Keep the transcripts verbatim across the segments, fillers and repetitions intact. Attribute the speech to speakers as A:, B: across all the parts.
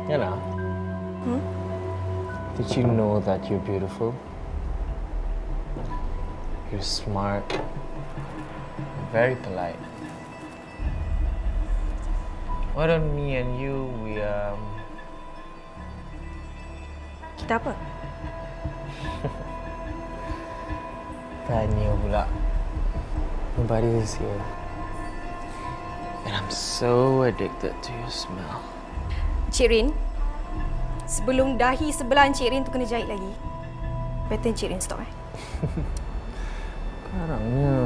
A: Yana,
B: Hmm?
A: did you know that you're beautiful? You're smart, very polite. Why don't me and you, we, um...
B: Kita apa?
A: Tanya pula. Nobody is here. And I'm so addicted to your smell.
B: Cik Rin, sebelum dahi sebelah Cik Rin tu kena jahit lagi, better Cik Rin stop eh.
A: Karangnya.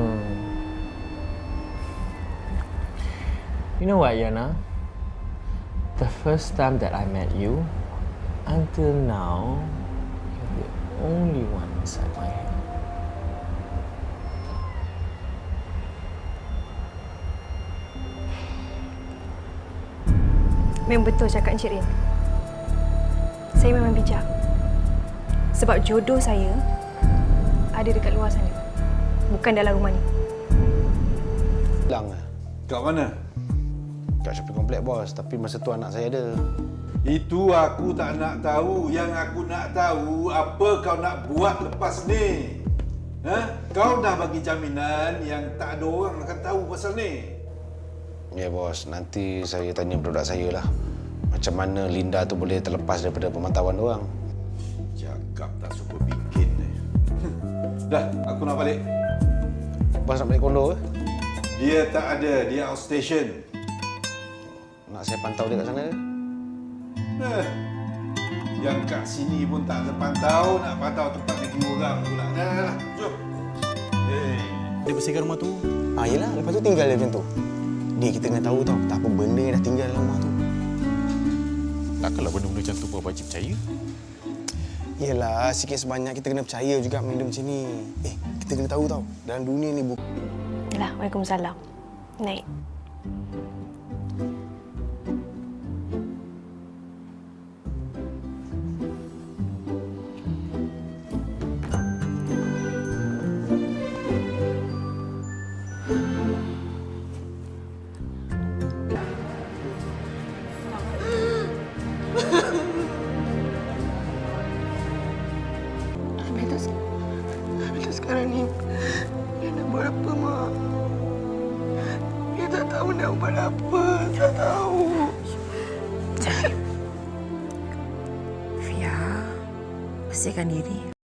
A: You know what, Yana? The first time that I met you, until now, you're the only one inside my head.
B: Memang betul cakap Encik Rin. Saya memang bijak. Sebab jodoh saya ada dekat luar sana. Bukan dalam rumah ni.
C: Hilang lah.
D: Kat mana?
C: Kat shopping komplek bos, tapi masa tu anak saya ada.
D: Itu aku tak nak tahu. Yang aku nak tahu, apa kau nak buat lepas ni? Ha? Kau dah bagi jaminan yang tak ada orang akan tahu pasal ni.
C: Ya bos, nanti saya tanya budak saya lah. Macam mana Linda tu boleh terlepas daripada pemantauan orang.
D: Cakap tak suka bikin ni. Dah, aku nak balik.
C: Bos nak balik kondo ke?
D: Dia tak ada, dia outstation.
C: Nak saya pantau dia kat sana ke?
D: Eh, yang kat sini pun tak terpantau, nak pantau tempat negeri orang pula. Dah, dah, dah. Jom. Hey.
E: Dia bersihkan rumah tu.
F: Ah, yelah, lepas tu tinggal dia macam tu. Dia kita kena tahu tau, tak apa benda yang dah tinggal dalam rumah tu.
E: Takkanlah benda-benda macam tu kau wajib percaya.
F: Yelah, sikit sebanyak kita kena percaya juga benda macam ni. Eh, kita kena tahu tau, dalam dunia ni bukan...
B: Yalah, Waalaikumsalam. Naik.
F: Habis habis sekarang ni, dia nak buat apa, Mak? Dia tak tahu nak buat apa, tak tahu.
G: Jangan. Fia, bersihkan diri.